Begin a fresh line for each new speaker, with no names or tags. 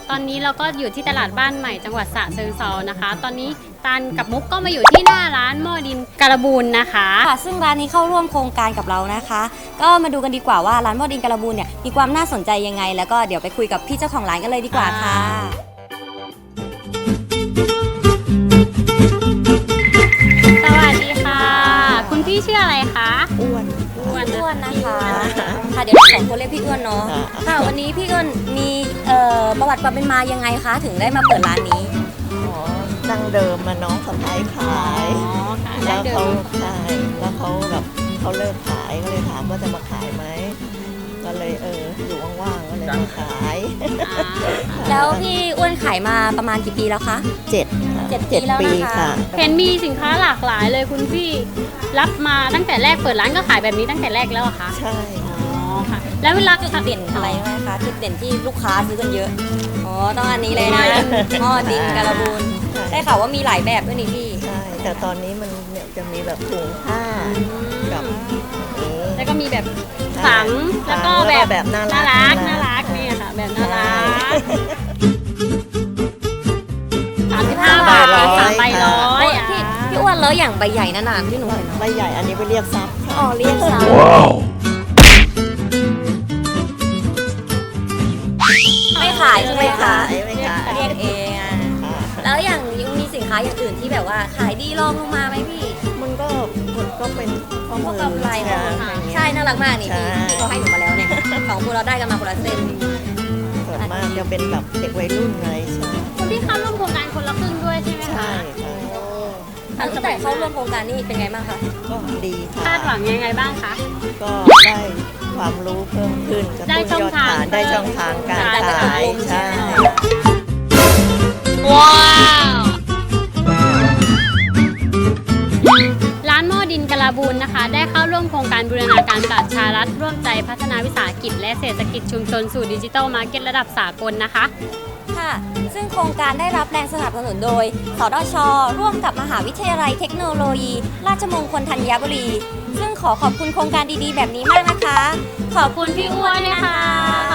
ตอนนี้เราก็อยู่ที่ตลาดบ้านใหม่จังหวัดฉะเชิงเทรานะคะตอนนี้ตันกับมุกก็มาอยู่ที่หน้าร้านหม้อดินการบูนนะคะ
ค่ะซึ่งร้านนี้เข้าร่วมโครงการกับเรานะคะ ก็มาดูกันดีกว่าว่าร้านหม้อดินการบูนเนี่ยมีความน่าสนใจยังไงแล้วก็เดี๋ยวไปคุยกับพี่เจ้าของร้านกันเลยดีกว่าค่ะ
สวัสดีค่ะคุณพี่ชื่ออะไรคะ
อ้วน
นะคะค่ะเดี๋ยวเราขอเรียกพี่อ้วนเนาะค่ะวันนี้พี่อ้วนมีประวัติความเป็นมายังไงคะถึงได้มาเปิดร้านนี้
อ๋อดั้งเดิมมาน้องสะพ้ายขายแล้วเขาขายแล้วเขาแบบเขาเลิกขายก็เลยถามว่าจะมาขายไหมก็เลยอยู่ว่างๆก็เลยมาขาย
แล้วพี่อ้วนขายมาประมาณกี่ปีแล้วคะ
7
ปีแล้วนะคะ
เห็นมีสินค้าหลากหลายเลยคุณพี่รับมาตั้งแต่แรกเปิดร้านก็ขายแบบนี้ตั้งแต่แรกแล้วอะคะ
ใช่
ค่ะแล้วเวลา
จุดเด่นอะไรไหมคะจุดเด่นที่ลูกค้าซื้อกันเยอะอ๋อต้องอันนี้เลยนะหม้อดินการบูนได้ข่าวว่ามีหลายแบบด้วยนี่พี่
ใช่แต่ตอนนี้มันเนี่ยจะมีแบบถุงผ้ากับ
แล้วก็มีแบบถังแล้วก็แบบน่ารักนี่ค่ะแบบน่ารัก35 บาท3 ใบ100
พี่อ้วนแล้วอย่างใบใหญ่นานๆที่หนูเห็น
ใบใหญ่อันนี้ไปเรียกซับ
อ๋อเรียกซับไม่ขายใช่ไหมคะเรียกเองแล้วอย่างยังมีสินค้าอย่างอื่นที่แบบว่าขายดีรองลงมาไหมพี่
มันก็เป็นข้อมื
อกำไรใช่น่ารักมากนี่พี่เขาให้หนูมาแล้วเนี่ยของพวกเราได้กันมาคนละเส้น
ส่วนมากจะเป็นแบบเด็กวัยรุ่นอะไรใช่
คุณพี่เข้าร่วมโครงการคนละครึ่งด้วยใช่ไหมคะ
ใช่
ตั้งแต่เข้าร่วมโครงการนี่เป็นไงบ้างคะ
ก็ดี
คาดหวังยังไงบ้างคะ
ก็ได้ความรู้เพิ่มขึ้น
ได้ช่องทาง
การขายใช่
ว้าวร้านหม้อดินกะลาบูนนะคะได้เข้าร่วมโครงการบูรณาการประชารัฐร่วมใจพัฒนาวิสาหกิจและเศรษฐกิจชุมชนสู่ดิจิทัลมาร์เก็ตระดับสากลนะคะ
ค่ะซึ่งโครงการได้รับแรงสนับสนุนโดยสทช.ร่วมกับมหาวิทยาลัยเทคโนโลยีราชมงคลธัญบุรีซึ่งขอบคุณโครงการดีๆแบบนี้มากนะคะขอบคุณพี่อ้วนนะคะ